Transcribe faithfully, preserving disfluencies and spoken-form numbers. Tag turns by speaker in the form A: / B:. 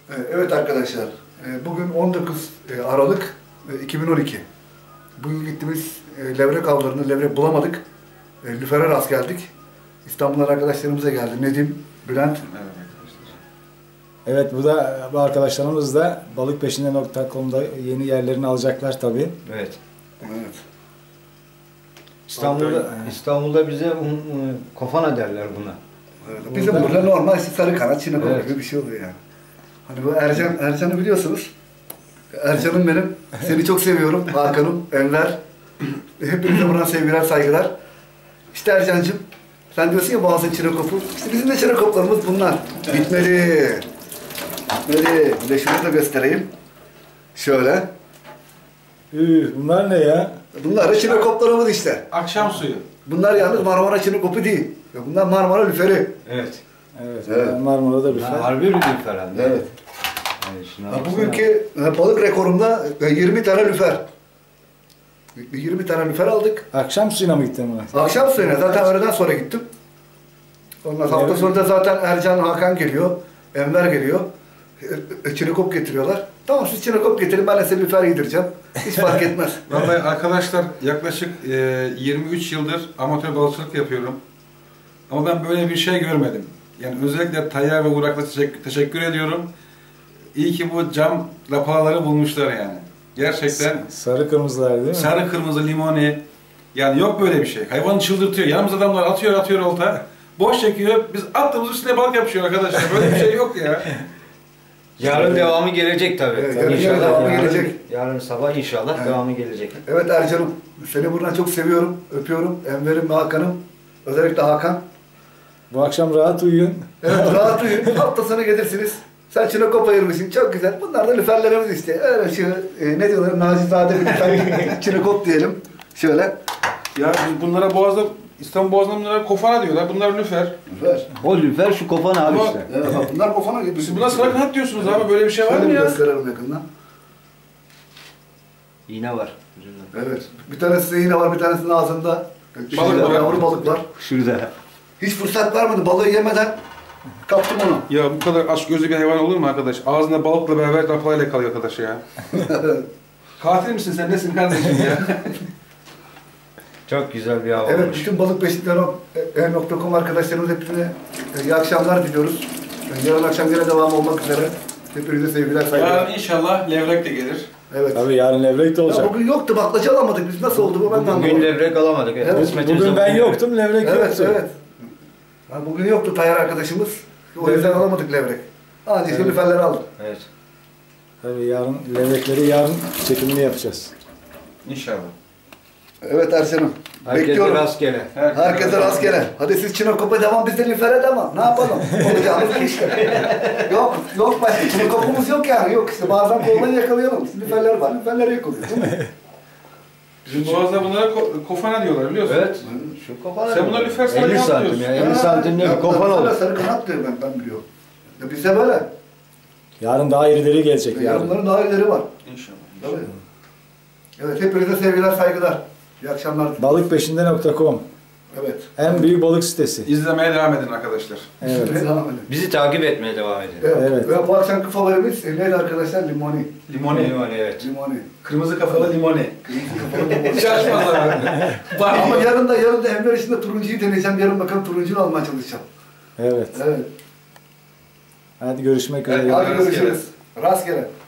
A: Evet arkadaşlar, bugün on dokuz Aralık iki bin on iki. Bugün gittiğimiz levrek avlarını, levrek bulamadık. Lüfer'e rast geldik. İstanbul'dan arkadaşlarımıza geldi. Nedim, Bülent.
B: Evet arkadaşlar.
C: Evet, bu da bu arkadaşlarımız da balıkpeşinde nokta com'da yeni yerlerini alacaklar tabii.
D: Evet.
A: Evet.
D: İstanbul'da İstanbul'da bize um, um, kofana derler buna.
A: Evet. Bizim burada normal sarı kanat, çinekop evet. gibi bir şey oluyor yani. Hani bu Ercan, Ercan'ı biliyorsunuz. Ercan'ım benim. Seni çok seviyorum. Hakan'ım, Enver. Hepinize buradan sevgiler, saygılar. İşte Ercan'cığım, sen diyorsun ya boğazın çinekopu. İşte bizim de çinekoplarımız bunlar. Bitmeli. Bitmeli. Bir de şunu da göstereyim. Şöyle.
C: Üh, bunlar ne ya?
A: Bunlar da çinekoplarımız işte.
B: Akşam suyu.
A: Bunlar yalnız Marmara çinekopu değil. Bunlar Marmara lüferi.
D: Evet.
C: Evet,
A: evet.
C: Marmara'da lüfer.
D: Harbi lüfer herhalde.
A: Evet.
D: Yani
A: bugünkü balık rekorumda yirmi tane lüfer. yirmi tane lüfer aldık.
C: Akşam suyuna mı gittin buna?
A: Akşam suyuna zaten öğleden sonra gittim. Ondan sonra hafta sonu da zaten Ercan, Hakan geliyor. Enver geliyor. Çinekop getiriyorlar. Tamam siz çinekop getirin, ben de size lüfer yedireceğim. Hiç fark etmez.
B: Vallahi arkadaşlar yaklaşık e, yirmi üç yıldır amatör balıkçılık yapıyorum. Ama ben böyle bir şey görmedim. Yani özellikle Tayyar ve Burak'la teşekkür, teşekkür ediyorum. İyi ki bu cam lapaları bulmuşlar yani. Gerçekten.
C: Sarı kırmızılar değil mi?
B: Sarı kırmızı limoni. Yani yok böyle bir şey. Hayvanı çıldırtıyor. Yanımız adamlar atıyor atıyor olta. Boş çekiyor. Biz attığımız üstüne balık yapışıyor arkadaşlar. Böyle bir şey yok ya.
D: Yarın devamı gelecek tabii.
A: Evet,
D: tabii.
A: yarın
D: İnşallah
A: devamı
D: yarın,
A: gelecek.
D: Yarın sabah inşallah
A: Evet.
D: devamı gelecek.
A: Evet Ercan'ım, seni buradan çok seviyorum, öpüyorum. Enver'im ve Hakan'ım. Özellikle Hakan.
C: Bu akşam rahat uyuyun.
A: Evet, rahat uyuyun. Hafta sonu gelirsiniz. Sen çinekop ayırmışsın, çok güzel. Bunlar da lüferlerimiz işte. Öyle şu, e, ne diyorlar, nacizade bir lüfer, çinekop diyelim. Şöyle.
B: Ya biz bunlara Boğaz'da, İstanbul Boğaz'da bunlara kofana diyorlar. Bunlar lüfer.
A: Lüfer.
D: O lüfer şu kofan abi
B: Ama,
D: işte.
A: Evet, bak bunlar kofana gibi.
B: Siz buna sarı kanat diyorsunuz abi. Böyle bir şey var mı
A: Şöyle
B: ya?
A: gösterelim yakından.
D: İğne var.
A: Evet. Bir tanesinde iğne var, bir tanesinin ağzında.
B: Balık var.
A: Yavru balık var.
D: Şurada.
A: Hiç fırsat vermedi, balığı yemeden kaptım onu.
B: Ya bu kadar aç gözlü bir hayvan olur mu arkadaş? Ağzında balıkla beraber lapayla kalıyor arkadaş ya. Katil misin sen, nesin kardeşim ya?
D: Çok güzel bir hava
A: Evet,
D: olmuş.
A: bütün balıkbeşikler nokta com arkadaşlarımız hepsine iyi akşamlar diliyoruz. Yarın akşam yine devam olmak üzere. Hepinize sevgiler, saygılar.
B: Yarın inşallah levrek de gelir.
A: Evet.
C: Tabii yarın levrek de olacak.
A: Ya bugün yoktu, baklacı alamadık biz. Nasıl oldu bu? Ben de
D: Bugün
A: anlamadım.
D: levrek alamadık. Evet.
A: Evet,
D: Kısmetimiz
C: Bugün ben
D: bugün
C: yoktum, levrek
A: Evet,
C: yoktu.
A: evet. Ya bugün yoktu Tayyar arkadaşımız. O yüzden alamadık levrek. Ancak
C: Evet.
A: lüferleri aldık.
D: Evet.
C: Tabii yarın levrekleri yarın çekimini yapacağız.
B: İnşallah.
A: Evet Ersen'im.
D: Herkese
A: Bekliyorum.
D: rastgele.
A: Herkese rastgele. Hadi siz çinekop'a devam, biz de lüfere devam. Ne yapalım? Olacağımız bu işte. Yok, yok başka çinekop'umuz yok yani. Yok işte bazen kolları yakalayalım. Lüferler var, lüferleri yakalıyoruz değil mi?
B: Bizim Boğaz'da bunlara ko kofana diyorlar biliyorsun.
D: Evet. Şu kofana.
B: Sen buna lüfer sarı
D: elli
B: kanat
D: santim
B: diyorsun.
D: ya. elli santim ne bir kofan olur.
A: Sarı kanat diyor ben, ben biliyorum. Ya bizde böyle.
C: Yarın daha irileri gelecek
A: Ya
C: yarın.
A: bunların daha ileri var.
B: İnşallah.
A: Tabii. Evet, hepinize sevgiler, saygılar. İyi akşamlar.
C: balıkpeşinde nokta com
A: Evet.
C: en büyük balık sitesi.
B: İzlemeye devam edin arkadaşlar.
C: Evet.
A: Devam edelim.
D: Bizi takip etmeye devam edin.
A: Evet.
C: Evet.
A: Ve bu akşamki favorimiz e, neydi arkadaşlar? Limoni.
B: Limoni.
D: Limoni evet.
A: Limoni.
B: Kırmızı kafalı limoni.
A: Limoni.
B: Şaşmazlar abi. Var
A: Ama
B: mı?
A: yarın da yarın da Enver işinde turuncuyu deneyeceğim. Yarın bakalım turuncuyu almaya çalışacağım.
C: Evet.
A: Evet.
C: Hadi görüşmek üzere.
A: Hadi
B: Rastgele.
A: görüşürüz. Rastgele.